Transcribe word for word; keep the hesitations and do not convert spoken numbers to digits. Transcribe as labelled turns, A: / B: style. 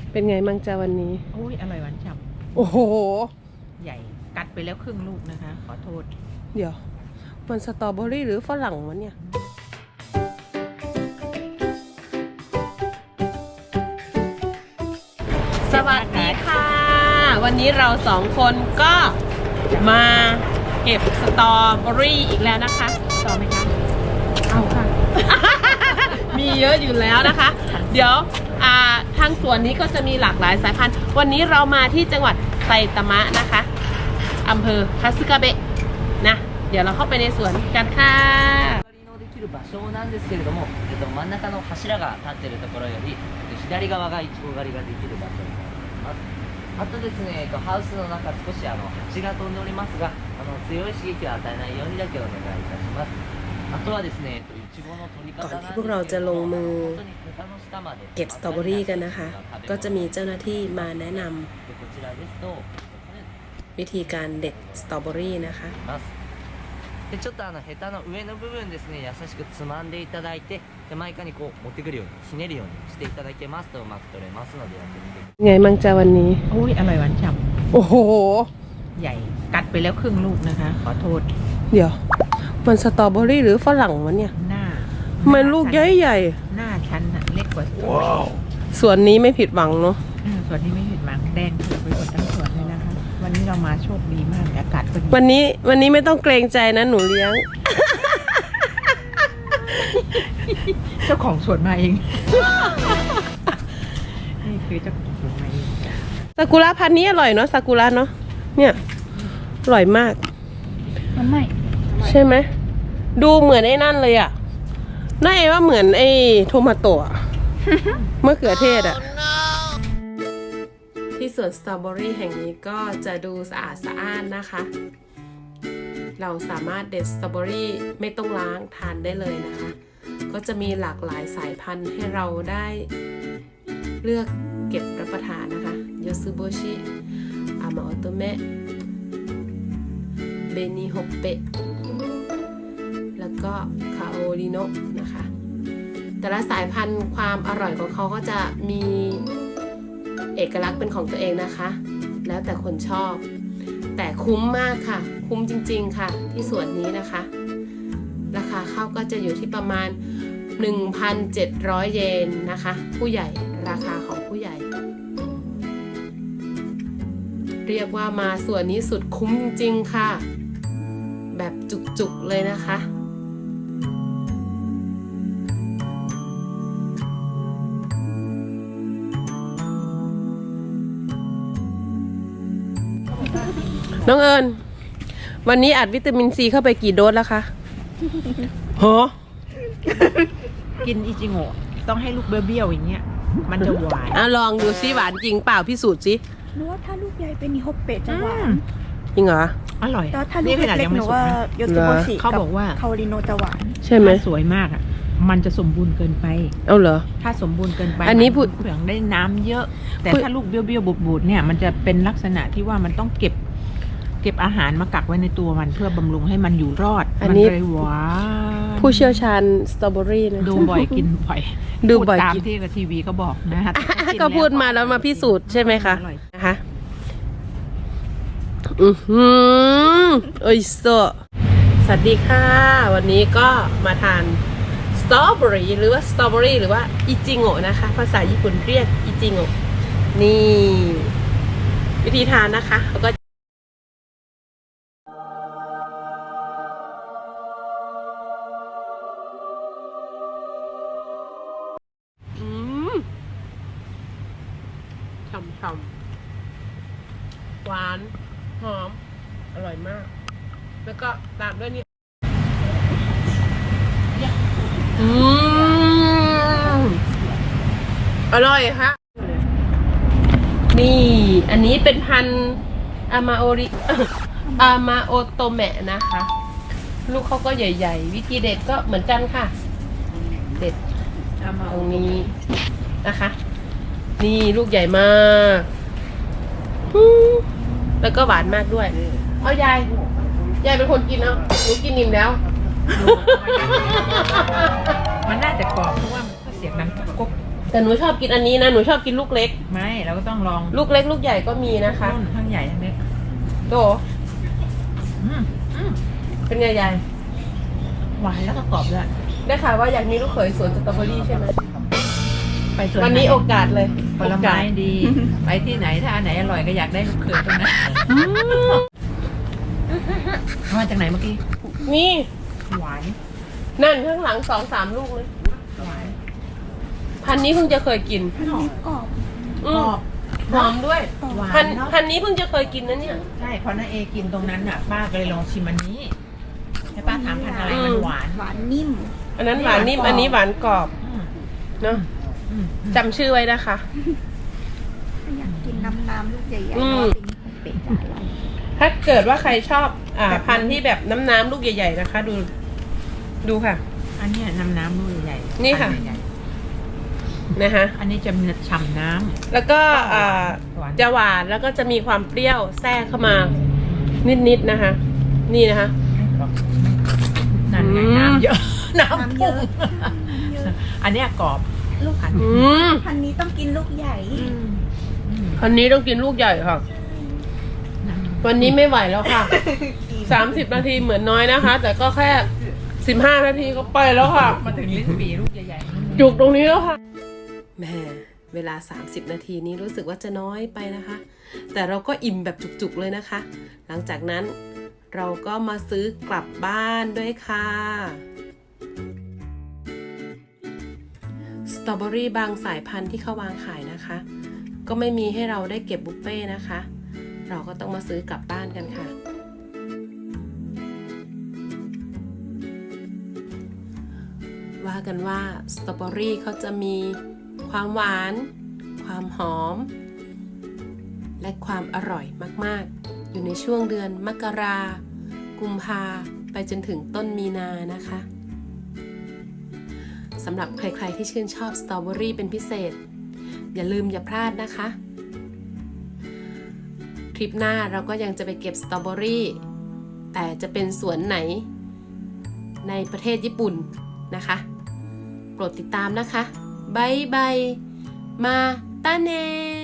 A: เป็นไงมั่งจ้าวันนี้
B: โอ้ยอร่อยหวานฉ่
A: ำโอ้โห
B: ำใหญ่กัดไปแล้วครึ่งลูกนะคะ ขอโทษ
A: เดี๋ยวมันสตรอเบอรี่หรือฝรั่งวะเนี่ยสวัสดีค่ะวันนี้เราสองคนก็มาเก็บสตรอเบอรี่อีกแล้วนะคะ
B: ต่อไหมคะ
A: เอาค่ะ มีเยอะอยู่แล้วนะคะ เดี๋ยวทางสวนนี้ก็จะมีหลากหลายสายพันธุ์วันนี้เรามาที่จังหวัดไซตามะนะคะอำเภอคาสึกาเบะนะเดี๋ยวเราเข้าไปในสวนกันค่ะ
C: 場所なんですけれども、えっと、真ん中の柱が立っているところより左側がイチゴ狩りができる場所になります。あとですね、えっと、ハウスの中少しあの蜂が飛んでおりますが、あの強い刺激を与えないようにだけお願いいたします。あとはですね、えっと、イチゴの取り方なんですけれども、本当にヘタの下まで
A: เก็บสตรอเบอรี่กันนะคะก็จะมีเจ้าหน้าที่มาแนะนำวิธีการเด็ดสตรอเบอรี่นะคะ
C: でちょっとあのヘタの上の部分ですね、優しくつまんでいただいて手前側にこう持ってくるようにひねるようにしていただけますとうまく取れますのでやってみてください。
A: ไงมั่งจ้าวันนี้
B: โอ้ยอร่อยหวานฉ่
A: ำโอ้โห
B: ใหญ่กัดไปแล้วครึ่งลูกนะคะ ขอโทษ
A: เดี๋ยวมันสตรอเบอรี่หรือฝรั่งวะเนี่ย
B: หน้า
A: มันลูกใหญ่ใหญ่
B: หน้าชั้นเล็กกว่า
A: สวนนี้ไม่ผิดหวังเนาะ
B: สวนนี้ไม่ผิดหวังแดงถูกไปหมดทั้งสวนเลยนะคะวันนี้เรามาโชคดีมากอากาศเป็น
A: วันนี้วันนี้ไม่ต้องเกรงใจนะหนูเลี้ยง
B: เจ้าของสวนมาเองนี่คือเจ้าของสวนมาเอง
A: ซากุระพันธุ์นี้อร่อยเนาะซากุระเนาะเนี่ยอร่อยมาก
B: มันไม่
A: ใช่ไหมดูเหมือนไอ้นั่นเลยอ่ะน่าเอว่าเหมือนไอ้โทมาโตะมะเขือเทศอ่ะที่สวนสตรอเบอรี่แห่งนี้ก็จะดูสะอาดสะอ้านนะคะเราสามารถเด็ดสตรอเบอรี่ไม่ต้องล้างทานได้เลยนะคะก็จะมีหลากหลายสายพันธุ์ให้เราได้เลือกเก็บรับประทานนะคะโยซุโบชิอามาโอโตเมะเบนิโฮเปะแล้วก็คาโอริโนะนะคะแต่ละสายพันธุ์ความอร่อยของเขาก็จะมีเอกลักษณ์เป็นของตัวเองนะคะแล้วแต่คนชอบแต่คุ้มมากค่ะคุ้มจริงๆค่ะที่สวนนี้นะคะราคาเข้าก็จะอยู่ที่ประมาณ หนึ่งพันเจ็ดร้อย เยนนะคะผู้ใหญ่ราคาของผู้ใหญ่เรียกว่ามาสวนนี้สุดคุ้มจริงๆค่ะแบบจุกๆเลยนะคะน้องเอิญวันนี้อัดวิตามินซีเข้าไปกี่โดสแล้วคะฮะ
B: กินอิจิโงะต้องให้ลูกเบี้ยวๆอย่างเงี้ยมันจะหวาน
A: อ่ะลองดูซิหวานจริงเปล่าพิสูจน์สิ
D: หนูว่าถ้าลูกใหญ่เป็นนิโฮเปะจะหวาน
A: จริงเหรอ
B: อร่อย
D: แต่ถ้าลูกเล็กๆหนูว่าโยซุโบชิ
B: เขาบอกว่า
D: คาโอริโนะจะหวาน
A: ใช่ไหม
B: สวยมากอ่ะมันจะสมบูรณ์เกินไป
A: เอาเหรอ
B: ถ้าสมบูรณ์เกินไป
A: อันนี้พูด
B: เปลือกได้น้ำเยอะแต่ถ้าลูกเบี้ยวๆบูดๆเนี่ยมันจะเป็นลักษณะที่ว่ามันต้องเก็บเก็บอาหารมากักไว้ในตัวมันเพื่อบำรุงให้มันอยู่รอด
A: อันนี้
B: หวาน
A: ผู้เชี่ยวชาญสตรอเบอรี่นะ
B: ดูบ่อยกินบ่อย
A: ดูบ่อย
B: ตามที่กับทีวีเขาบอกนะ
A: ก็พูดมาแล้วมาพิสูจน์ใช่ไหมคะนะคะอือหือโอ้ยโซสวัสดีค่ะวันนี้ก็มาทานสตรอเบอรี่หรือว่าสตรอเบอรี่หรือว่าอิจิโงะนะคะภาษาญี่ปุ่นเรียกอิจิโงะนี่วิธีทานนะคะแล้วก็ฉ่ำๆหวานหอมอร่อยมากแล้วก็ตามด้วยนี่อืมอร่อยค่ะนี่อันนี้เป็นพันธุ์อามาโอริอามาโอโตเมะนะคะลูกเขาก็ใหญ่ๆวิธีเด็ดก็เหมือนกันค่ะเด็ดตรงนี้นะคะนี่ลูกใหญ่มากแล้วก็หวานมากด้วยเอายายยายเป็นคนกินเอาหนูกินนิ่มแล้ว
B: มันน่าจะกรอบเพราะว่ามันก็เสียงดังกุ๊ก
A: แต่หนูชอบกินอันนี้นะหนูชอบกินลูกเล็ก
B: ไม่เราก็ต้องลอง
A: ลูกเล็กลูกใหญ่ก็มีนะคะ
B: รุ่นทั้งใหญ่ทั้งเล็ก
A: โด
B: อืมอืม
A: เป็นไงยาย
B: หวานแล้วก็กรอบด้วย
A: ได้ข่าวว่าอยากมีลูกเขยสวนสตรอเบอรี่ใช่ไหม
B: ไปสวน
A: วันนี้
B: ไห
A: โอกาสเลย
B: ผลไม้ดี ไปที่ไหนถ้าอันไหนอร่อยก็อยากได้ลูกเขยตรงนั้นมาจากไหนเมื่อกี้
A: นี่
B: หวาน
A: นั่นข้างหลังสองสามลูกเลย
B: หวาน
A: พันนี้เพิ่งจะเคยกิน
D: อันนี้กรอบ
A: อื
B: กร
A: ม
B: อบ
A: หอมด้วย
B: หวา
A: พั
B: น
A: น
B: เนาะ
A: พันนี้เพิ่งจะเคยกินนะเนี่ย
B: ใช่เพราะน้าเอกินตรงนั้นน่ะป้าก็เลยลองชิมอันนี้ให้ป้าถามพันธุ์อะไร
A: อืม
B: มันหวาน
D: หวานนิ่ม
A: อันนั้นหวานนิ่มอันนี้หวานกรอบ
B: อืม
A: เนาะ
B: อืม
A: จำชื่อไว้นะคะ
D: อยากกินน้ำน้ำลูกใหญ่ๆ
A: อื
D: เพ
A: ม
D: ราะว่าเป็นของเป็ดจะอร่อย
A: ถ้าเกิดว่าใครชอบอ่าพันธุ์ที่แบบน้ำน้ำๆลูกใหญ่ ๆนะคะ ดู ดูค่ะ
B: อันเนี้ยน้ำน้ำลูกใหญ่ๆ
A: นี่ค่ะ
B: อัใหญ่
A: นะคะ
B: ๆอันนี้จะมีฉ่ำน้ำ
A: แล้วก็อ่า
B: หวาน
A: จะหวานแล้วก็จะมีความเปรี้ยวแทรกเข้ามา นิดๆนะคะ นี่นะคะ
B: นั่นไง
A: อืม
B: น้ำเยอะ น้ำ
D: น้ำเย
B: พุ่ง
D: อะน้ำเยอะ
B: อันเนี้ยกรอบ
D: ลูก
B: อัน
A: อืม
D: พันนี้ต้องกินลูกใหญ่
B: อืมอืม
A: พันนี้ต้องกินลูกใหญ่ค่ะ วันนี้ไม่ไหวแล้วค่ะ สามสิบนาทีเหมือนน้อยนะคะ แต่ก็แค่สิบห้านาทีก็ไปแล้วค่ะ
B: มาถึงลิ้นปีลูกใหญ่ๆ
A: จุกตรงนี้แล้วค่ะแหม่เวลาสามสิบนาทีนี้รู้สึกว่าจะน้อยไปนะคะ แต่เราก็อิ่มแบบจุกๆเลยนะคะ หลังจากนั้นเราก็มาซื้อกลับบ้านด้วยค่ะสตรอเบอรี่บางสายพันธุ์ที่เขาวางขายนะคะ ก็ไม่มีให้เราได้เก็บบุฟเฟ่ต์นะคะ เราก็ต้องมาซื้อกลับบ้านกันค่ะ ว่ากันว่าสตรอเบอรี่เขาจะมีความหวาน ความหอม และความอร่อยมากๆ อยู่ในช่วงเดือนมกรากุมภาไปจนถึงต้นมีนานะคะสำหรับใครๆที่ชื่นชอบสตรอเบอรี่เป็นพิเศษ อย่าลืมอย่าพลาดนะคะทริปหน้าเราก็ยังจะไปเก็บสตรอเบอรี่แต่จะเป็นสวนไหนในประเทศญี่ปุ่นนะคะโปรดติดตามนะคะบายบายมาตาเน